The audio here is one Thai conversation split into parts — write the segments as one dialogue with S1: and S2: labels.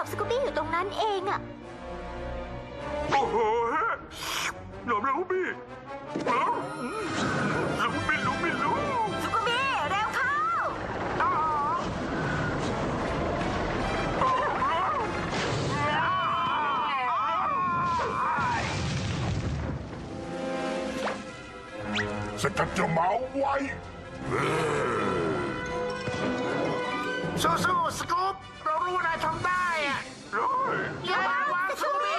S1: กับสกูบี้อยู่ตรงนั้นเองอะ
S2: โอ้โหหนอมแล้วพี่ลูกไม่รู้
S1: สกูบี้เร็วเข้า
S2: สกัดเจ้าหมาไว้
S3: สู้ๆสกู๊ปเรารู้ว่านายทำได้อะอย่าวางสกูบี้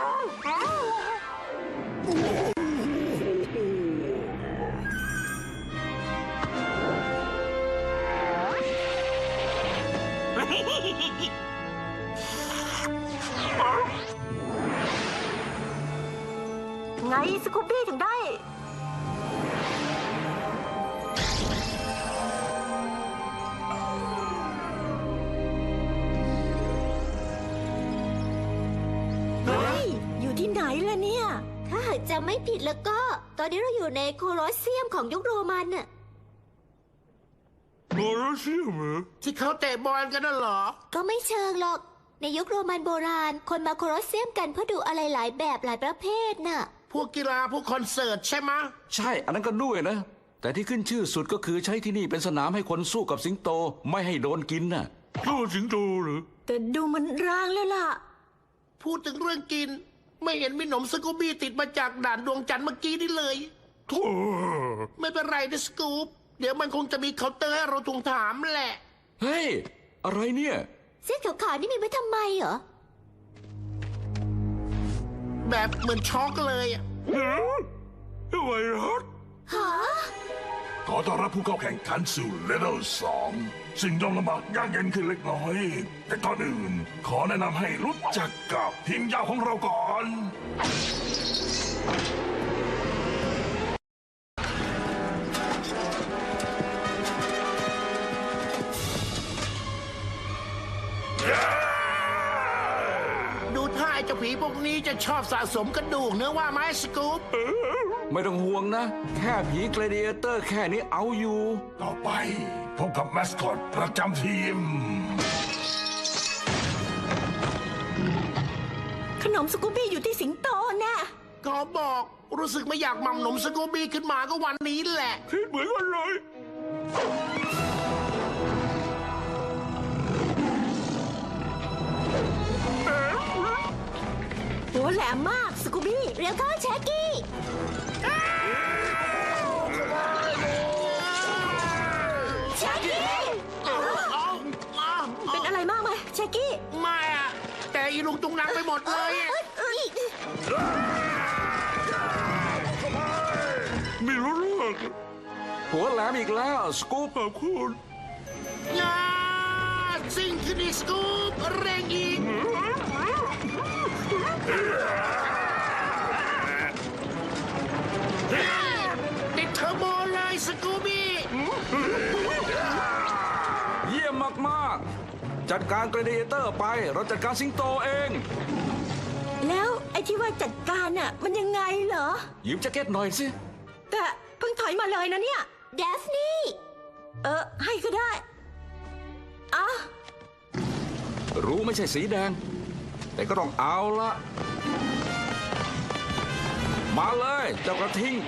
S1: ไงสกูบี้ถึงได้อยู่ที่ไหนล่ะเนี่ยถ้าหากจำไม่ผิดแล้วก็ ตอนนี้เราอยู่ในโคลอสเซียมของยุคโรมันน่ะ
S2: โคลอสเซียมเหรอ
S3: ที่เขาเตะบอลกันน่ะเหรอ
S1: ก็ไม่เชิงหรอก ในยุคโรมันโบราณ คนมาโคลอสเซียมกันเพื่อดูอะไรหลายแบบหลายประเภทน่ะ
S3: พวกกีฬาพวกคอนเสิร์ตใช่ไหมะ
S4: ใช่อันนั้นก็ด้วยนะ แต่ที่ขึ้นชื่อสุดก็คือใช้ที่นี่เป็นสนามให้คนสู้กับสิงโตไม่ให้โดนกินน่ะ
S2: สู้สิงโตเหรอ
S1: แต่ดูมันร้างแล้วล่ะ
S3: พูดถึงเรื่องกิน ไม่เห็นมีหนมสกูบี้ติดมาจากด่านดวงจันทร์เมื่อกี้นี่เลย
S2: โธ่
S3: ไม่เป็นไรนะสกู๊ปเดี๋ยวมันคงจะมีเคาน์เตอร์ให้เราทวงถามแหละ
S4: เฮ้ย อะไรเนี่ย
S1: เส้นขาวๆนี่มีไว้ทำไมเหรอ
S3: แบบเหมือนช็อกเลยอะ
S2: ไวรัส
S1: ฮะ
S2: ขอต้อนรับผู้เข้าแข่งขันสู่เลเวล2สิ่งต้องลำบากยากเย็นขึ้นเล็กน้อย แต่ก่อนอื่น ขอแนะนำให้รู้จักกับทีมยาวของเราก่อน
S3: ดูท่าไอ้เจ้าผีพวกนี้จะชอบสะสมกระดูกเนื้อว่าไหมสกู๊ป
S4: ไม่ต้องห่วงนะ แค่ผีเกรเดียเตอร์แค่นี้เอาอยู่
S2: ต่อไปพบกับแมสคอตประจำทีม
S1: ขนมสกูบี้อยู่ที่สิงโตน่ะ
S3: ขอบอกรู้สึกไม่อยากหม่ำหนมสกูบี้ขึ้นมาก็วันนี้แหละ
S2: คิดเหมือนกันเลย
S1: หัวแหลมมากสกูบี้เร็วเข้าแชกกี้แชกกี้เป็นอะไรมากไหมแชกกี้
S3: ไม่อะแต่อีลุงตุงนังไปหมดเลยอะ
S2: ไม่รู้เรื่อง
S4: หัวแหลมอีกแล้วสกู๊ป
S2: ขอบคุณ
S3: ยาสิ่งที่ดีสกู๊ปเร่งอีกติดเทอร์โบเลยสกูบี้
S4: เยี่ยมมากๆ จัดการเกรเดียเตอร์ไปเราจัดการสิงโตเอง
S1: แล้วไอ้ที่ว่าจัดการน่ะมันยังไงเหรอ
S4: ยืมแจ็คเก็ตหน่อยสิ
S1: แต่เพิ่งถอยมาเลยนะเนี่ยเดฟนี่ให้ก็ได้อ่ะ
S4: รู้ไม่ใช่สีแดง แต่ก็ต้องเอาละมาเลยเจ้ากระทิง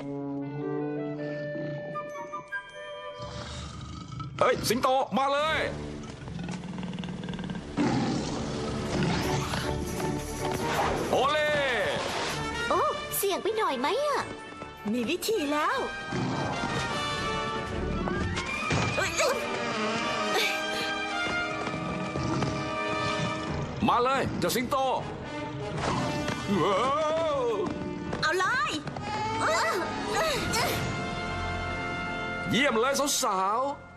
S4: เฮ้ย สิงโตมาเลยโอเล่
S1: โอ้เสี่ยงไปหน่อยไหมอ่ะมีวิธีแล้ว
S4: มาเลยเจ้าสิงโตว้าว
S1: เอาเลย
S4: เยี่ยมเลยสาวๆ